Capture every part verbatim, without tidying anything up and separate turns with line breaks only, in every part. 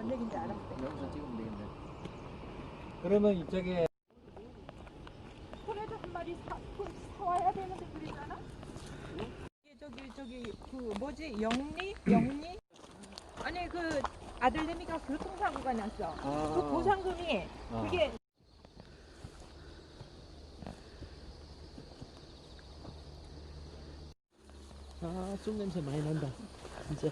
얘기인지 알았어.
여기서 찍으면 되겠네. 그러면 이쪽에
소래도 한 마리 사, 그 사와야 되는데 그러잖아? 이게 저기 저기 그 뭐지 영리? 영리? 아니 그 아들내미가 교통사고가 났어.
아.
그 보상금이
아.
그게
아, 술 냄새 많이 난다. 진짜.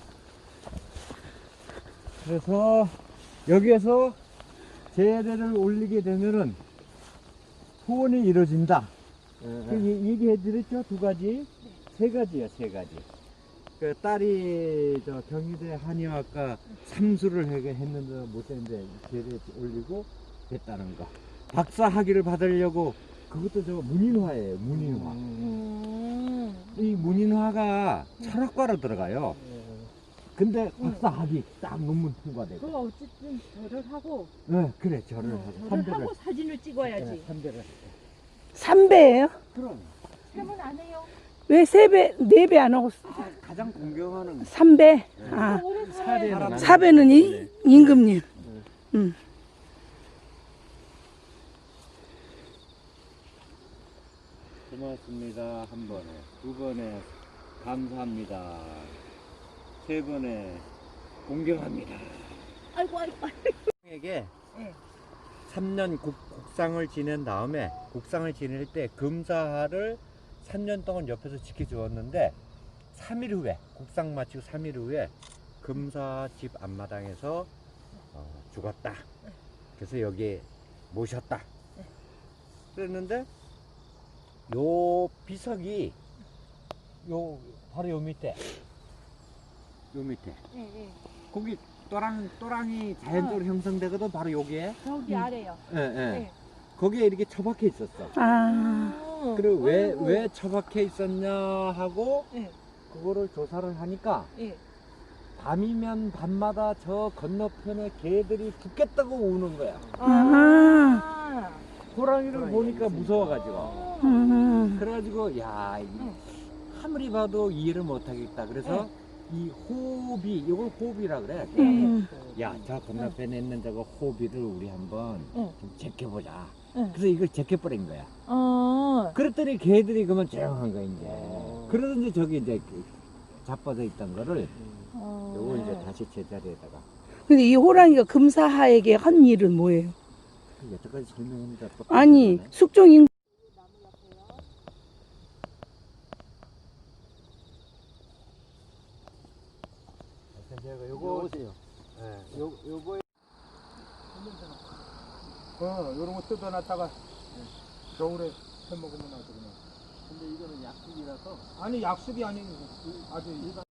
그래서 여기에서 재래를 올리게 되면은 소원이 이루어진다. 그 얘- 얘기해 드렸죠? 두 가지? 세 가지야, 세 가지. 그 딸이 저 경희대 한의학과 삼수를 하게 했는데 못했는데 재래 올리고 됐다는 거. 박사 학위를 받으려고 그것도 저 문인화예요, 문인화.
음.
이 문인화가 철학과로 들어가요. 근데 박사 학위 딱 논문 통과되고.
그 어쨌든 절을 하고
네, 그래, 절을
어,
하고.
절을
삼배를.
하고 사진을 찍어야지.
네, 삼배를.
삼 배예요?
그럼.
세문 안 해요.
왜 세 배, 네 배 안 하고
아, 가장 공경하는
삼 배? 아,
오래 살아야
사 배는 이, 임금님. 응.
고맙습니다. 한 번에. 두 번에 감사합니다. 세 번에 공경합니다.
아이고 아이고.
에게
네.
삼 년 국, 국상을 지낸 다음에 국상을 지낼 때 금사를 삼 년 동안 옆에서 지켜주었는데 삼 일 후에 국상 마치고 삼 일 후에 금사 집 앞마당에서 어, 죽었다. 그래서 여기 모셨다. 그랬는데 요 비석이 요 바로 요 밑에 요 밑에
네, 네.
거기 또랑 또랑이 자연적으로 형성되거든. 바로 여기에
저기 아래요.
예, 예.
네.
거기에 이렇게 처박혀 있었어.
아,
그리고 왜,
아이고.
왜 처박혀 있었냐 하고
네.
그거를 조사를 하니까
네.
밤이면 밤마다 저 건너편에 개들이 죽겠다고 우는 거야.
아.
호랑이를 보니까 무서워가지고.
음,
그래가지고 야 이,
응.
아무리 봐도 이해를 못하겠다. 그래서 이 호비, 이걸 호비라 그래.
음.
야, 저 건너편에 있는 저거 호비를 우리 한번
응.
좀 제껴보자.
응.
그래서 이걸 제껴버린 거야.
어.
그랬더니 걔들이 그러면 조용한 거야, 이제. 그러든지 저기 이제 그 자빠져 있던 거를
어.
요거 이제 다시 제자리에다가.
근데 이 호랑이가 금사하에게 한 일은 뭐예요?
그 여태까지 설명했는데 또.
아니,
그러네.
숙종인
제가 요거 오세요. 예, 요 요거에
어, 요런 거 뜯어놨다가 겨울에 해 먹으면 아주 그냥.
근데 이거는 약국이라서
아니 약속이 아닌 아주 일반.